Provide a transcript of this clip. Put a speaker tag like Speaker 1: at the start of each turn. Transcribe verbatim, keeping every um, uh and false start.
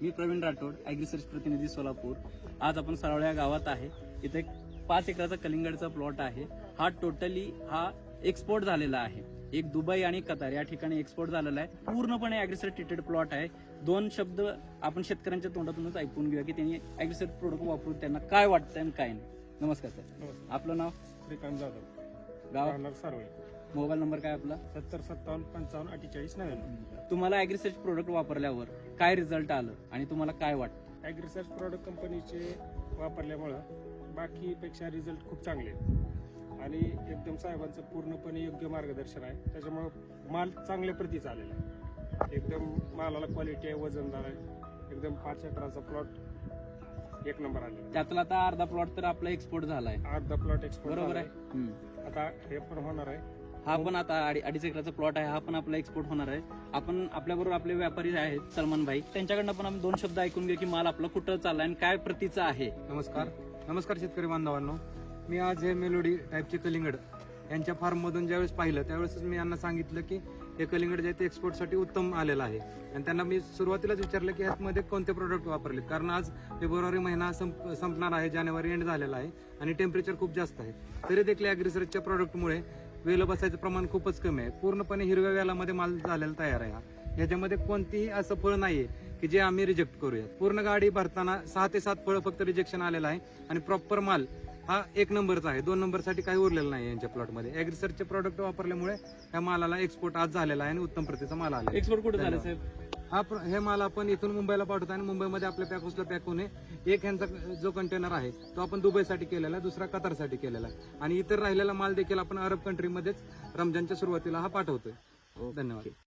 Speaker 1: मी प्रवीण राठोड, ॲग्रिसर्च प्रतिनिधी सोलापूर. आज आपण सारोळ्या गावात आहे. इथे एक पाच एकराचा कलिंगडचा प्लॉट आहे. हा टोटली हा एक्सपोर्ट झालेला आहे. एक दुबई आणि कतार या ठिकाणी एक्सपोर्ट झालेला आहे. पूर्णपणे ॲग्रिसर्च ट्रीटेड प्लॉट आहे. दोन शब्द आपण शेतकऱ्यांच्या तोंडातूनच ऐकून घेऊया की त्यांनी ॲग्रिसर्च प्रोडक्ट वापरून त्यांना काय वाटतंय आणि काय नाही. नमस्कार सर. आपलं नाव?
Speaker 2: श्रीकांत जाधव,
Speaker 1: गाव?
Speaker 2: सारोळे.
Speaker 1: मोबाईल नंबर काय आपला?
Speaker 2: सत्तर सत्तावन्न पंचावन्न अठ्ठेचाळीस नव्याण्णव.
Speaker 1: तुम्हाला ॲग्रिसर्च प्रोडक्ट वापरल्यावर काय रिझल्ट आलं आणि तुम्हाला काय वाटतं?
Speaker 2: ॲग्रिसर्च प्रॉडक्ट कंपनीचे वापरल्यामुळं बाकीपेक्षा रिझल्ट खूप चांगले आहेत आणि एकदम साहेबांचं पूर्णपणे योग्य मार्गदर्शन आहे. त्याच्यामुळं माल चांगल्या प्रतीचा आलेला आहे. एकदम मालाला क्वालिटी आहे, वजनदार आहे. एकदम पाच एकराचा प्लॉट एक नंबर आलेला.
Speaker 1: त्यातला आता अर्धा प्लॉट तर आपला एक्सपोर्ट झालाय.
Speaker 2: अर्धा प्लॉट एक्सपोर्ट
Speaker 1: बरोबर आहे.
Speaker 2: आहे. आता हे पण होणार आहे.
Speaker 1: हा पण आता अडी- अडीच एकराचा प्लॉट आहे. हा पण आपला एक्सपोर्ट होणार आहे. आपण आपल्याबरोबर आपले व्यापारी आहेत सलमान भाई, त्यांच्याकडनं पण आपण दोन शब्द ऐकून घेऊ की माल आपला कुठं चाललाय आणि काय प्रतीचा आहे.
Speaker 3: नमस्कार नमस्कार शेतकरी बांधवांनो. मी आज हे मेलोडी टाईपचे कलिंगड यांच्या फार्ममधून ज्यावेळेस पाहिलं त्यावेळेस मी यांना सांगितलं की हे कलिंगड जे आहे ते एक्सपोर्टसाठी उत्तम आलेलं आहे. आणि त्यांना मी सुरुवातीलाच विचारलं की ह्यामध्ये कोणते प्रोडक्ट वापरलेत, कारण आज फेब्रुवारी महिना संप संपणार आहे, जानेवारी एंड झालेला आहे आणि टेम्परेचर खूप जास्त आहे. तरी देखील ॲग्रिसर्चच्या प्रोडक्टमुळे वेल बसायचं प्रमाण खूपच कमी आहे. पूर्णपणे हिरव्या वेलामध्ये माल झालेला तयार आहे. हा ह्याच्यामध्ये कोणतीही असं फळ नाहीये की जे आम्ही रिजेक्ट करूया. पूर्ण गाडी भरताना सहा ते सात फळं फक्त रिजेक्शन आलेलं आहे आणि प्रॉपर माल हा एक नंबरचा आहे. दोन नंबरसाठी काही उरलेलं नाही यांच्या प्लॉटमध्ये. ॲग्रिसर्चचे प्रोडक्ट वापरल्यामुळे त्या मालाला एक्सपोर्ट आज झालेला आहे आणि उत्तम प्रतीचा माल आला.
Speaker 1: एक्सपोर्ट कुठे झालं साहेब?
Speaker 3: हा प्र- हे माल आपण इथून मुंबईला पाठवतो आणि मुंबईमध्ये आपल्या पॅक हाऊसला पॅक होऊन एक ह्यांचा जो कंटेनर आहे तो आपण दुबईसाठी केलेला आहे, दुसरा कतारसाठी केलेला आहे आणि इतर राहिलेला माल देखील आपण अरब कंट्रीमध्येच रमजानच्या सुरुवातीला हा पाठवतोय. धन्यवाद.